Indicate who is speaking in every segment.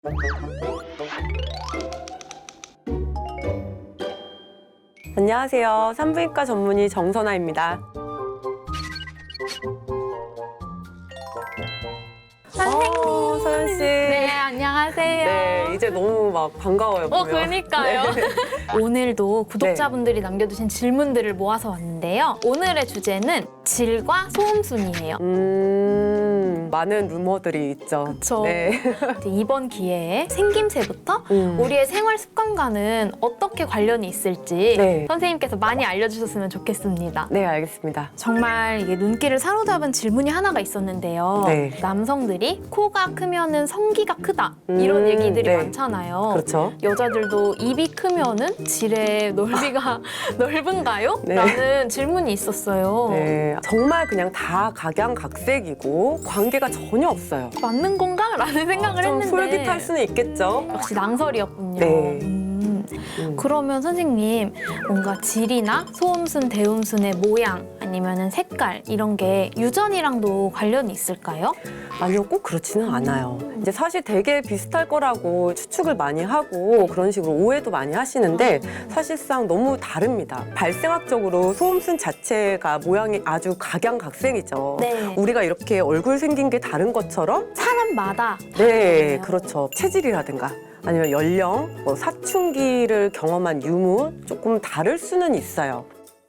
Speaker 1: 안녕하세요. 산부인과 전문의 정선아입니다.
Speaker 2: 선생님.
Speaker 1: 서연 씨.
Speaker 2: 네, 안녕하세요.
Speaker 1: 네, 이제 너무 막 반가워요. 보면.
Speaker 2: 그러니까요.
Speaker 1: 네.
Speaker 2: 오늘도 구독자분들이 남겨주신 질문들을 모아서 왔는데요. 오늘의 주제는 질과 소음순이에요.
Speaker 1: 많은 루머들이 있죠.
Speaker 2: 그쵸.
Speaker 1: 네.
Speaker 2: 이제 이번 기회에 생김새부터 우리의 생활 습관과는 어떻게 관련이 있을지
Speaker 1: 네.
Speaker 2: 선생님께서 많이 알려주셨으면 좋겠습니다.
Speaker 1: 네, 알겠습니다.
Speaker 2: 정말 이게 눈길을 사로잡은 질문이 하나가 있었는데요.
Speaker 1: 네.
Speaker 2: 남성들이 코가 크면은 성기가 크다 이런 얘기들이
Speaker 1: 네.
Speaker 2: 많잖아요.
Speaker 1: 그렇죠.
Speaker 2: 여자들도 입이 크면은 질의 넓이가 넓은가요?
Speaker 1: 네.
Speaker 2: 라는 질문이 있었어요.
Speaker 1: 네, 정말 그냥 다 각양각색이고 관계가 전혀 없어요.
Speaker 2: 맞는 건가? 라는 생각을
Speaker 1: 좀
Speaker 2: 했는데
Speaker 1: 솔깃할 수는 있겠죠.
Speaker 2: 역시 낭설이었군요.
Speaker 1: 네.
Speaker 2: 그러면 선생님 뭔가 질이나 소음순, 대음순의 모양 아니면은 색깔 이런 게 유전이랑도 관련이 있을까요?
Speaker 1: 아니요, 꼭 그렇지는 않아요. 이제 사실 되게 비슷할 거라고 추측을 많이 하고 그런 식으로 오해도 많이 하시는데 사실상 너무 다릅니다. 발생학적으로 소음순 자체가 모양이 아주 각양각색이죠.
Speaker 2: 네.
Speaker 1: 우리가 이렇게 얼굴 생긴 게 다른 것처럼
Speaker 2: 사람마다
Speaker 1: 네,
Speaker 2: 다르네요.
Speaker 1: 그렇죠. 체질이라든가 아니면 연령, 사춘기를 경험한 유무 조금 다를 수는 있어요.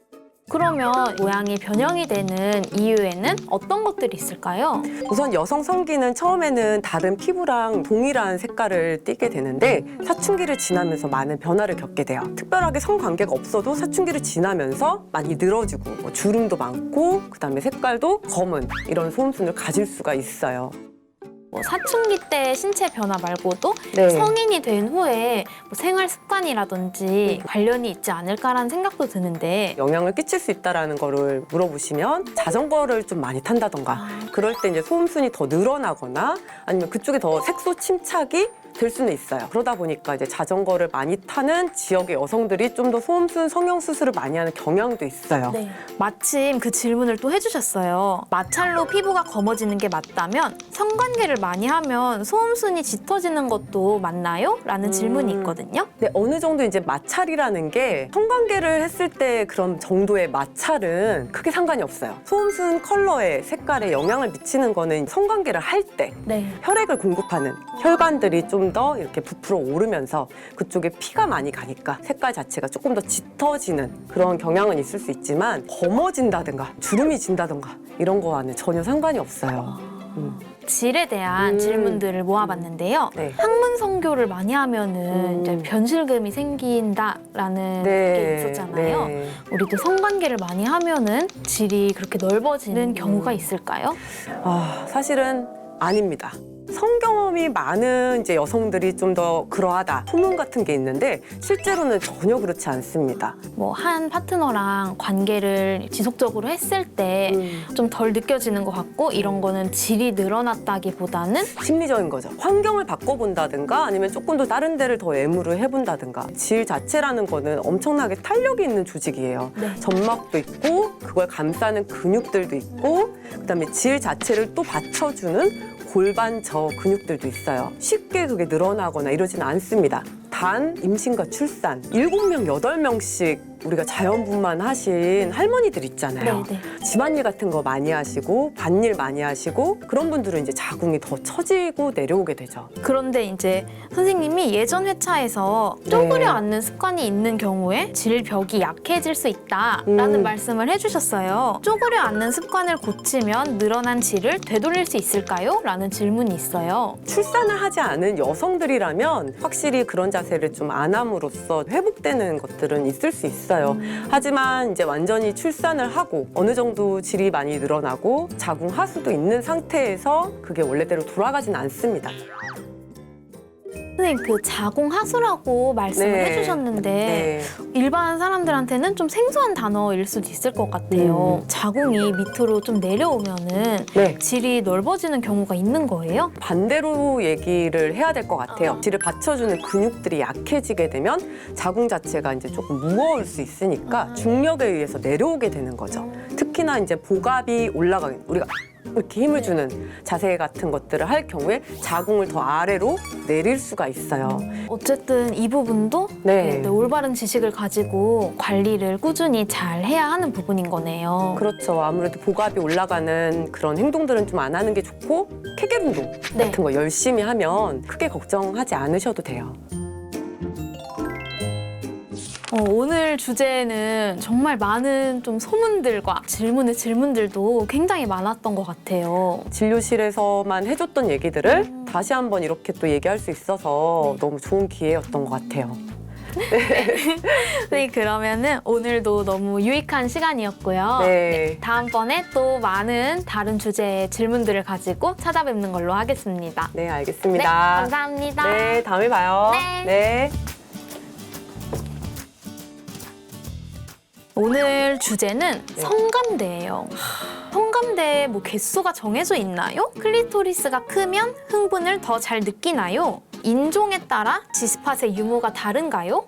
Speaker 2: 그러면 모양이 변형이 되는 이유에는 어떤 것들이 있을까요?
Speaker 1: 우선 여성 성기는 처음에는 다른 피부랑 동일한 색깔을 띠게 되는데 사춘기를 지나면서 많은 변화를 겪게 돼요. 특별하게 성관계가 없어도 사춘기를 지나면서 많이 늘어지고 주름도 많고 그다음에 색깔도 검은 이런 소음순을 가질 수가 있어요.
Speaker 2: 뭐 사춘기 때 신체 변화 말고도
Speaker 1: 네.
Speaker 2: 성인이 된 후에 뭐 생활 습관이라든지 관련이 있지 않을까라는 생각도 드는데
Speaker 1: 영향을 끼칠 수 있다라는 거를 물어보시면 자전거를 좀 많이 탄다던가 그럴 때 이제 소음순이 더 늘어나거나 아니면 그쪽에 더 색소 침착이 될 수는 있어요. 그러다 보니까 이제 자전거를 많이 타는 지역의 여성들이 좀 더 소음순 성형 수술을 많이 하는 경향도 있어요.
Speaker 2: 네. 마침 그 질문을 또 해주셨어요. 마찰로 피부가 검어지는 게 맞다면 성관계를 많이 하면 소음순이 짙어지는 것도 맞나요? 라는 질문이 있거든요.
Speaker 1: 근데 어느 정도 이제 마찰이라는 게 성관계를 했을 때 그런 정도의 마찰은 크게 상관이 없어요. 소음순 컬러에 색깔에 영향을 미치는 거는 성관계를 할 때
Speaker 2: 네.
Speaker 1: 혈액을 공급하는 혈관들이 좀 더 이렇게 부풀어 오르면서 그쪽에 피가 많이 가니까 색깔 자체가 조금 더 짙어지는 그런 경향은 있을 수 있지만 검어진다든가 주름이 진다든가 이런 거와는 전혀 상관이 없어요.
Speaker 2: 질에 대한 질문들을 모아봤는데요.
Speaker 1: 네.
Speaker 2: 학문 성교를 많이 하면은 이제 변실금이 생긴다라는 게 있었잖아요.
Speaker 1: 네.
Speaker 2: 우리도 성관계를 많이 하면은 질이 그렇게 넓어지는 경우가 있을까요?
Speaker 1: 사실은 아닙니다. 성경험이 많은 이제 여성들이 좀 더 그러하다 소문 같은 게 있는데 실제로는 전혀 그렇지 않습니다.
Speaker 2: 뭐 한 파트너랑 관계를 지속적으로 했을 때 좀 덜 느껴지는 것 같고 이런 거는 질이 늘어났다기보다는
Speaker 1: 심리적인 거죠. 환경을 바꿔본다든가 아니면 조금 더 다른 데를 더 애무를 해본다든가 질 자체라는 거는 엄청나게 탄력이 있는 조직이에요.
Speaker 2: 네.
Speaker 1: 점막도 있고 그걸 감싸는 근육들도 있고 그다음에 질 자체를 또 받쳐주는 골반 저 근육들도 있어요. 쉽게 그게 늘어나거나 이러지는 않습니다. 단 임신과 출산 7명, 8명씩 우리가 자연분만 하신 할머니들 있잖아요.
Speaker 2: 네.
Speaker 1: 집안일 같은 거 많이 하시고 밭일 많이 하시고 그런 분들은 이제 자궁이 더 처지고 내려오게 되죠.
Speaker 2: 그런데 이제 선생님이 예전 회차에서 쪼그려 앉는 습관이 있는 경우에 질벽이 약해질 수 있다라는 말씀을 해주셨어요. 쪼그려 앉는 습관을 고치면 늘어난 질을 되돌릴 수 있을까요? 라는 질문이 있어요.
Speaker 1: 출산을 하지 않은 여성들이라면 확실히 그런 자세를 좀 안 함으로써 회복되는 것들은 있을 수 있어요. 하지만 이제 완전히 출산을 하고 어느 정도 질이 많이 늘어나고 자궁 하수도 있는 상태에서 그게 원래대로 돌아가진 않습니다.
Speaker 2: 선생님 그 자궁 하수라고 말씀을
Speaker 1: 네.
Speaker 2: 해주셨는데
Speaker 1: 네.
Speaker 2: 일반 사람들한테는 좀 생소한 단어일 수도 있을 것 같아요. 자궁이 밑으로 좀 내려오면은
Speaker 1: 네.
Speaker 2: 질이 넓어지는 경우가 있는 거예요?
Speaker 1: 반대로 얘기를 해야 될 것 같아요. 질을 받쳐주는 근육들이 약해지게 되면 자궁 자체가 이제 조금 무거울 수 있으니까 중력에 의해서 내려오게 되는 거죠. 특히나 이제 복압이 올라가는 우리가 이렇게 힘을 주는 자세 같은 것들을 할 경우에 자궁을 더 아래로 내릴 수가 있어요.
Speaker 2: 어쨌든 이 부분도
Speaker 1: 네.
Speaker 2: 올바른 지식을 가지고 관리를 꾸준히 잘 해야 하는 부분인 거네요.
Speaker 1: 그렇죠. 아무래도 복압이 올라가는 그런 행동들은 좀 안 하는 게 좋고 케겔 운동
Speaker 2: 네.
Speaker 1: 같은 거 열심히 하면 크게 걱정하지 않으셔도 돼요.
Speaker 2: 오늘 주제는 정말 많은 좀 소문들과 질문들도 굉장히 많았던 것 같아요.
Speaker 1: 진료실에서만 해줬던 얘기들을 다시 한번 이렇게 또 얘기할 수 있어서 너무 좋은 기회였던 것 같아요.
Speaker 2: 네, 그러면은 오늘도 너무 유익한 시간이었고요.
Speaker 1: 네.
Speaker 2: 다음번에 또 많은 다른 주제의 질문들을 가지고 찾아뵙는 걸로 하겠습니다.
Speaker 1: 네,
Speaker 2: 네,
Speaker 1: 알겠습니다.
Speaker 2: 감사합니다.
Speaker 1: 네, 다음에 봐요.
Speaker 2: 네.
Speaker 1: 네.
Speaker 2: 오늘 주제는 성감대예요. 성감대에 개수가 정해져 있나요? 클리토리스가 크면 흥분을 더 잘 느끼나요? 인종에 따라 G스팟의 유무가 다른가요?